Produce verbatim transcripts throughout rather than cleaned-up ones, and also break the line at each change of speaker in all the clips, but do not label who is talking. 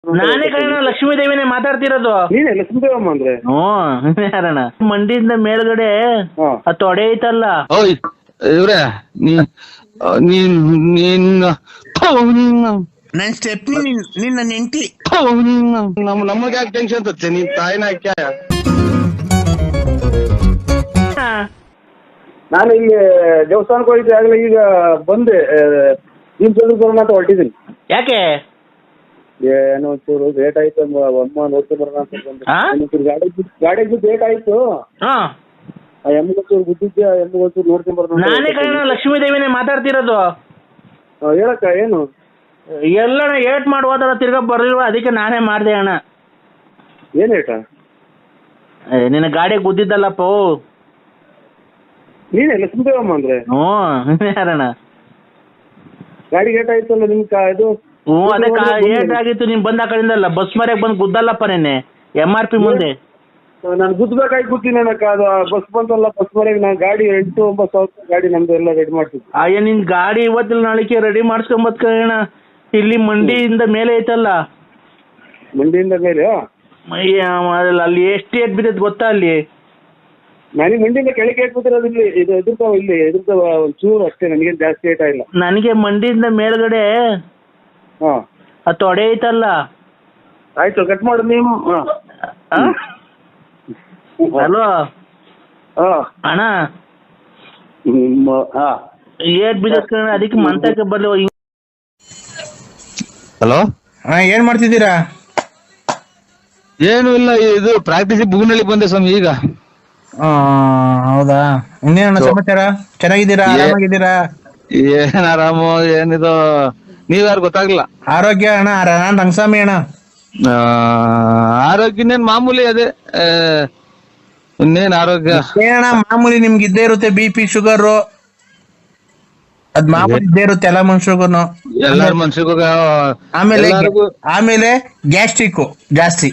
ನಾನೇ ಕಣ ಲಕ್ಷ್ಮೀ ದೇವಿನೇ ಮಾತಾಡ್ತಿರೋದು.
ನೀನೇ ಲಕ್ಷ್ಮೀದೇವಮ್ಮ ಅಂದ್ರೆ?
ಹ್ಞೂ ಯಾರಣ್ಣ ಮಂಡಿಯಿಂದ ಮೇಲ್ಗಡೆ ಆ ತೊಡೆ ಐತಲ್ಲ.
ಓಯ್ ಇವ್ರೆ ನೀನ್
ನನ್ ಸ್ಟೆಪ್ನಿ ನಿನ್ನ ನೆಂಟಿ
ನಮ್ಮ ನಮಗೆ ಯಾಕೆ ಟೆನ್ಷನ್ ತತ್ತೆ ನೀನ್ ತಾಯಿನ ಹಾಕ್ಯ.
ನಾನು ಇಲ್ಲಿ ದೇವಸ್ಥಾನಕ್ಕೆ ಹೋಗಿದ್ದೆ ಆಗಲೇ, ಈಗ ಬಂದೆ ನಿಮ್ ಬರೋಣ ಅಂತ ಹೊರಟಿದ್ದೀನಿ.
ಯಾಕೆ
ಏನೋ ಒಂಚೂರು ಲೇಟ್ ಆಯ್ತು, ಅಮ್ಮ ನೋಡ್ಕೊಂಡು ಬರೋಣ ಅಂತ ಬಂದೆ. ಗಾಡಿ ಗಾಡಿ ಲೇಟ್ ಆಯ್ತು, ಆ ಎಮ್ಗೊಂಚೂರು ಗುದ್ದಿದ್ದೆ, ಆ ಎಮ್ಗೊಂಚೂರು ನೋಡ್ಕೊಂಡ್ ಬರೋಣ.
ನಾನೇ ಕಣ ಲಕ್ಷ್ಮೀ ದೇವಿನೇ ಮಾತಾಡ್ತಿರೋದು.
ಹೇಳಕ್ಕ ಏನು
ಎಲ್ಲಣ್ಣ ಏಟ್ ಮಾಡಿ ಹೋದಲ್ಲ ತಿರ್ಗಾ ಬರ್ಲಿಲ್ವ, ಅದಕ್ಕೆ ನಾನೇ ಮಾಡ್ದೆ ಅಣ್ಣ.
ಏನ್ ಏಟ?
ನಿನ್ನ ಗಾಡಿ ಗುದ್ದಿದ್ದಲ್ಲಪ್ಪ.
ನೀನೇ ಲಕ್ಷ್ಮೀದೇವಮ್ಮ ಅಂದ್ರೆ?
ಹ್ಞೂ ಯಾರಣ್ಣ
ಗಾಡಿ ಏಟ್ ಆಯ್ತಲ್ಲ ನಿಮ್ ಇದು?
ಹ್ಞೂ ಅದೇ ಏಟ್ ಆಗಿತ್ತು, ನೀನ್ ಬಂದ ಕಡೆಯಿಂದಲ್ಲ ಬಸ್ ಮರ್ಯಾಗ ಬಂದು ಗುದ್ದಲ್ಲಪ್ಪ ನೆನ್ನೆ ಎಮ್ ಆರ್ ಪಿ ಮುಂದೆ.
ನಾನು ಗುದ್ದಬೇಕಾಗಿ ಕೂತೀನಿ ಅಕ್ಕ, ಅದು ಬಸ್ ಬಂತಲ್ಲ ಬಸ್ ಮರ್ಯಾಗ ನಾನು ಗಾಡಿ ಎಂಟು ಒಂಬತ್ತು ಸಾವಿರ ಗಾಡಿ ನಮ್ದು ಎಲ್ಲ ರೆಡಿ ಮಾಡ್ತಿದ್ದೆ.
ಅಯ್ಯ ನಿನ್ ಗಾಡಿ ಇವತ್ತಿಲ್ಲ ನಾಳೆಗೆ ರೆಡಿ ಮಾಡಿಸ್ಕೊಂಬತ್ ಕಣ. ಇಲ್ಲಿ ಮಂಡಿಯಿಂದ ಮೇಲೆ ಐತಲ್ಲ.
ಮಂಡಿಯಿಂದ ಮೇಲೆ?
ಅಲ್ಲಿ ಎಷ್ಟು ಏಟ್ ಬಿದ್ದೈತೆ ಗೊತ್ತಾ ಅಲ್ಲಿ?
ನನಗೆ ಮಂಡಿಯಿಂದ ಕೆಳಗೆ ಏಟ್ಬಿಟ್ಟಿರೋದು ಇಲ್ಲಿ, ಇದು ಎದುರ್ತಾವ, ಇಲ್ಲಿ ಎದುರ್ತಾವ ಒಂಚೂರು ಅಷ್ಟೇ, ನನಗೇನು ಜಾಸ್ತಿ ಏಟ ಇಲ್ಲ.
ನನಗೆ ಮಂಡಿಯಿಂದ ಮೇಲ್ಗಡೆ
ಹಾ
ಆ ತೊಡೆ ಐತಲ್ಲ.
ಆಯ್ತು ಕಟ್ ಮಾಡು ನೀವು.
ಹಲೋ
ಹಾ
ಅಣ್ಣ,
ಹಾ
ಏಟ್ ಬಿದ್ದೈತೆ ಕಣ, ಅದಕ್ಕೆ ಮಂತಕ್ಕೆ ಬರ್ಲಿ.
ಹಲೋ,
ಹಾ ಏನ್ ಮಾಡ್ತಿದ್ದೀರಾ?
ಏನು ಇಲ್ಲ, ಇದು ಪ್ರಾಕ್ಟೀಸ್ ಬುಗುನಳ್ಳಿ ಬಂದೆ ಸ್ವಾಮಿ ಈಗ.
ಹೌದಾ, ಇನ್ನೇನ ಸಮಾಚಾರ? ಚೆನ್ನಾಗಿದ್ದೀರಾ? ಆರಾಮಾಗಿದ್ದೀರಾ?
ಏನ್ ಆರಾಮು, ಏನಿದು ನೀವ್ಯಾರು ಗೊತ್ತಾಗ್ಲಿಲ್ಲ.
ಆರೋಗ್ಯ ಅಣ್ಣ, ನಾನ್ ರಂಗಸ್ವಾಮಿ ಅಣ್ಣ.
ಆರೋಗ್ಯ ಇನ್ನೇನ್ ಮಾಮೂಲಿ, ಅದೇ ಇನ್ನೇನ್ ಆರೋಗ್ಯ
ಏನಣ್ಣ ಮಾಮೂಲಿ, ನಿಮ್ಗೆ ಇದ್ದೇ ಇರುತ್ತೆ ಬಿ ಪಿ ಶುಗರ್, ಅದ್ ಮಾಮೂಲಿ ಇದ್ದೇ ಇರುತ್ತೆ ಎಲ್ಲ ಮನುಷ್ಯರಿಗೂ,
ಎಲ್ಲಾರ ಮನ್ಸಿಗೂ.
ಆಮೇಲೆ ಆಮೇಲೆ ಗ್ಯಾಸ್ಟ್ರಿಕ್ ಜಾಸ್ತಿ.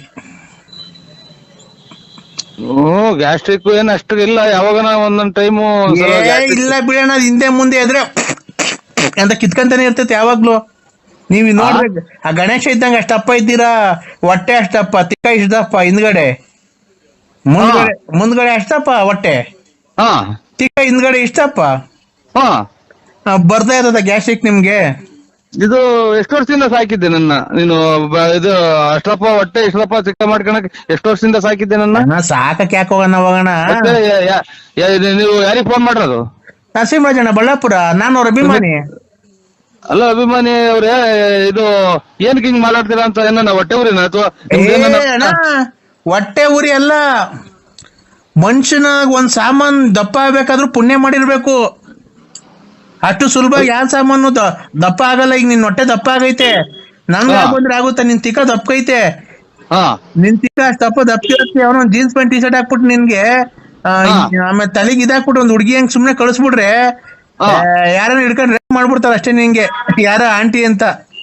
ಹ್ಮ್ ಗ್ಯಾಸ್ಟ್ರಿಕ್ ಏನ್ ಅಷ್ಟು ಇಲ್ಲ, ಯಾವಾಗ ಒಂದೊಂದ್ ಟೈಮು
ಇಲ್ಲ ಬಿಡೋಣ, ಹಿಂದೆ ಮುಂದೆ ಎದ್ರೆ ಅಂತ ಕಿತ್ಕಂತಾನೆ ಇರ್ತೈತೆ ಯಾವಾಗ್ಲೂ. ನೀವ್ ನೋಡ್ರಿ, ಆ ಗಣೇಶ ಇದ್ದಂಗ ಅಷ್ಟಪ್ಪ ಇದ್ದೀರಾ, ಹೊಟ್ಟೆ ಅಷ್ಟಪ್ಪ, ತಿಕ್ಕ ಇಷ್ಟಪ್ಪ, ಹಿಂದ್ಗಡೆ ಮುಂದ್ಗಡೆ ಮುಂದ್ಗಡೆ ಅಷ್ಟಪ್ಪ ಹೊಟ್ಟೆ,
ಹಾ
ತಿಕ್ಕ ಹಿಂದ್ಗಡೆ ಇಷ್ಟಪ್ಪ.
ಹಾ
ಬರ್ತಾ ಇರ್ತದ ಗ್ಯಾಸ್ಟ್ರಿಕ್ ನಿಮ್ಗೆ.
ಇದು ಎಷ್ಟು ವರ್ಷದಿಂದ ಸಾಕಿದ್ದೆ ನನ್ನ ನೀನು? ಇದು ಅಷ್ಟಪ್ಪ ಹೊಟ್ಟೆ ಇಷ್ಟಪ್ಪ ಚಿಕ್ಕ ಮಾಡ್ಕೊಳಕ್ ಎಷ್ಟು ವರ್ಷದಿಂದ ಸಾಕಿದ್ದೆ ನನ್ನ?
ಸಾಕಕ್ ಯಾಕೆ ಹೋಗೋಣ ಹೋಗೋಣ.
ನೀವು ಯಾರಿಗೆ ಫೋನ್ ಮಾಡಿರೋದು?
ನರಸಿಂಹರಾಜಣ್ಣ ಬಳ್ಳಾಪುರ, ನಾನು ಅವ್ರ ಅಭಿಮಾನಿ.
ಅಲ್ಲ ಅಭಿಮಾನಿ ಅವ್ರೆ, ಇದು ಏನ್ ಹಿಂಗ್ ಮಾತಾಡ್ತೀರಾ ಅಂತ? ಏನ ಹೊಟ್ಟೆ ಊರಿನ ಅಥವಾ
ಹೊಟ್ಟೆ ಉರಿ ಅಲ್ಲ, ಮನುಷ್ಯನಾಗ ಒಂದ್ ಸಾಮಾನ್ ದಪ್ಪ ಆಗ್ಬೇಕಾದ್ರೂ ಪುಣ್ಯ ಮಾಡಿರ್ಬೇಕು. ಅಷ್ಟು ಸುಲಭ ಯಾವ ಸಾಮಾನು ದಪ್ಪ ಆಗಲ್ಲ. ಈಗ ನಿನ್ ಹೊಟ್ಟೆ ದಪ್ಪ ಆಗೈತೆ, ನನ್ಗೆ ಬಂದ್ರೆ ಆಗುತ್ತಾ? ನಿನ್ ತಿಕ್ಕ ದಪ್ಪಕೈತೆ, ನಿನ್ ತಿಕ್ಕ ಅಷ್ಟು ದಪ್ಪ ದಪ್ಪಿರುತ್ತೆ. ಅವನು ಜೀನ್ಸ್ ಪ್ಯಾಂಟ್ ಟಿ ಶರ್ಟ್ ಹಾಕ್ಬಿಟ್ಟು ನಿನ್ಗೆ ಆಮೇಲೆ ತಲೆಗೆ ಇದಾಕ್ಬಿಟ್ಟು ಒಂದ್ ಹುಡುಗಿ ಹಂಗ್ ಸುಮ್ನೆ ಕಳಿಸ್ಬಿಡ್ರೆ ಯಾರನ್ನ ಹಿಡ್ಕೊಂಡು ರೇಪ್ ಮಾಡ್ಬಿಡ್ತಾರ ಅಷ್ಟೇ ನಿಂಗೆ, ಯಾರ ಆಂಟಿ ಅಂತ.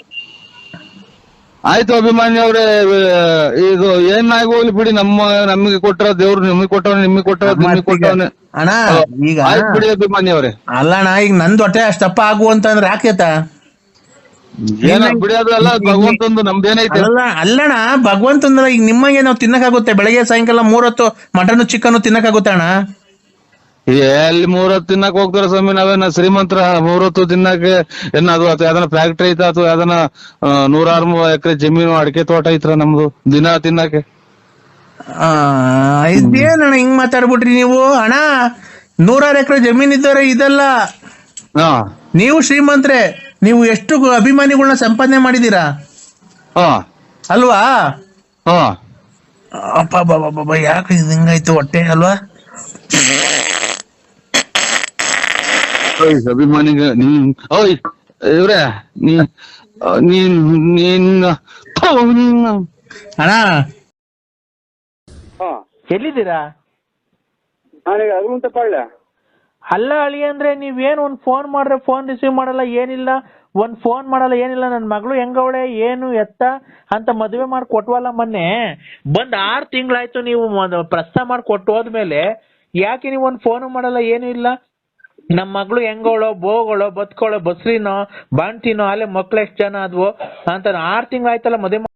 ಆಯ್ತು ಅಭಿಮಾನಿ ಅವ್ರೆ, ಇದು ಏನಾಗಿ ಹೋಗ್ಲಿ ಬಿಡಿ. ನಮ್ಮ ನಮಗೆ ಕೊಟ್ಟರ ದೇವ್ರು ನಿಮಗೆ ಕೊಟ್ಟವ, ನಿಮಗೆ ಕೊಟ್ಟವ ನಿಮಗೆ ಕೊಟ್ಟವನೇ
ಅಣ್ಣ. ಈಗ
ಬಿಡಿ ಅಭಿಮಾನಿ ಅವ್ರೆ.
ಅಲ್ಲಣ್ಣ, ಈಗ ನಂದ್ ಹೊಟ್ಟೆ ಅಷ್ಟಪ್ಪ ಆಗು ಅಂತಂದ್ರೆ ಆಕೇತ?
ಏನ ಬಿಡಿ, ಅದೆಲ್ಲ ಭಗವಂತಂದು, ನಮ್ದೇನೈತೆ?
ಅಲ್ಲ ಅಲ್ಲಣ್ಣ, ಭಗವಂತಂದ್ರ ಈಗ ನಿಮಗೆ ನಾವು ತಿನ್ನಕ್ಕಾಗುತ್ತೆ? ಬೆಳಗ್ಗೆ ಸಾಯಂಕಾಲ ಮೂರೊತ್ತು ಮಟನ್ ಚಿಕನ್ ತಿನ್ನಕ್ಕಾಗುತ್ತೆ ಅಣ್ಣ?
ಎಲ್ಲಿ ಮೂರೊತ್ತು ತಿನ್ನಕ್ ಹೋಗ್ತಾರ ಸ್ವಾಮಿ? ನಾವೇನ ಶ್ರೀಮಂತರ ಮೂರೊತ್ತು ತಿನ್ನಕ್ಕೆ? ಏನ ಅದು ಅಥವಾ ಯಾವ್ದನ ಫ್ಯಾಕ್ಟ್ರಿ ಐತ ಅಥವಾ ಯಾವ್ದನ ನೂರಾರು ಎಕರೆ ಜಮೀನು ಅಡಿಕೆ ತೋಟ ಐತ್ರ ನಮ್ದು ದಿನ ತಿನ್ನಕ್ಕೆ?
ಇದೇನಣ್ಣ ಹಿಂಗ್ ಮಾತಾಡ್ಬಿಟ್ರಿ ನೀವು? ಅಣ್ಣ, ನೂರಾರು ಎಕರೆ ಜಮೀನ್ ಇದ್ದಾರೆ ಇದೆಲ್ಲ. ನೀವು ಶ್ರೀಮಂತ್ರೆ, ನೀವು ಎಷ್ಟು ಅಭಿಮಾನಿಗಳನ್ನ ಸಂಪಾದನೆ ಮಾಡಿದೀರಾ ಅಲ್ವಾ? ಅಪ್ಪ ಬಾಬಾ, ಯಾಕೆ ಹಿಂಗಾಯ್ತು ಹೊಟ್ಟೆ ಅಲ್ವಾ?
ಅಭಿಮಾನಿಗ ನೀನ್ ಓಯ್ ಇವ್ರೆ ನೀನ್ ನೀನ್
ಅಣ್ಣ
ಎಲ್ಲಿದ್ದೀರಾ?
ನಾನೀಗ ಹನುಮಂತ ಪಾಳ್ಯ.
ಅಲ್ಲ ಅಳಿ ಅಂದ್ರೆ ನೀವೇನು ಒಂದ್ ಫೋನ್ ಮಾಡ್ರೆ ಫೋನ್ ರಿಸೀವ್ ಮಾಡಲ್ಲ, ಏನಿಲ್ಲ, ಒಂದ್ ಫೋನ್ ಮಾಡಲ್ಲ, ಏನಿಲ್ಲ. ನನ್ ಮಗಳು ಹೆಂಗವಳೆ ಏನು ಎತ್ತ ಅಂತ ಮದುವೆ ಮಾಡಿ ಕೊಟ್ವಲ್ಲ ಮೊನ್ನೆ. ಬಂದ್ ಆರ್ ತಿಂಗಳಾಯ್ತು, ನೀವು ಪ್ರಸ್ತಾವ ಮಾಡಿ ಕೊಟ್ಟು ಹೋದ್ಮೇಲೆ ಯಾಕೆ ನೀವು ಒಂದ್ ಫೋನು ಮಾಡಲ್ಲ, ಏನು ಇಲ್ಲ. ನಮ್ ಮಗಳು ಹೆಂಗೋಳೋ ಬೋಗಳೋ ಬದುಕೋಳೋ ಬಸ್ರಿನೋ ಬಾಣ್ತಿನೋ ಅಲ್ಲೇ ಮಕ್ಳು ಎಷ್ಟ್ ಜನ ಆದ್ವು ಅಂತ ಆರ್ ತಿಂಗಳಾಯ್ತಲ್ಲ ಮದುವೆ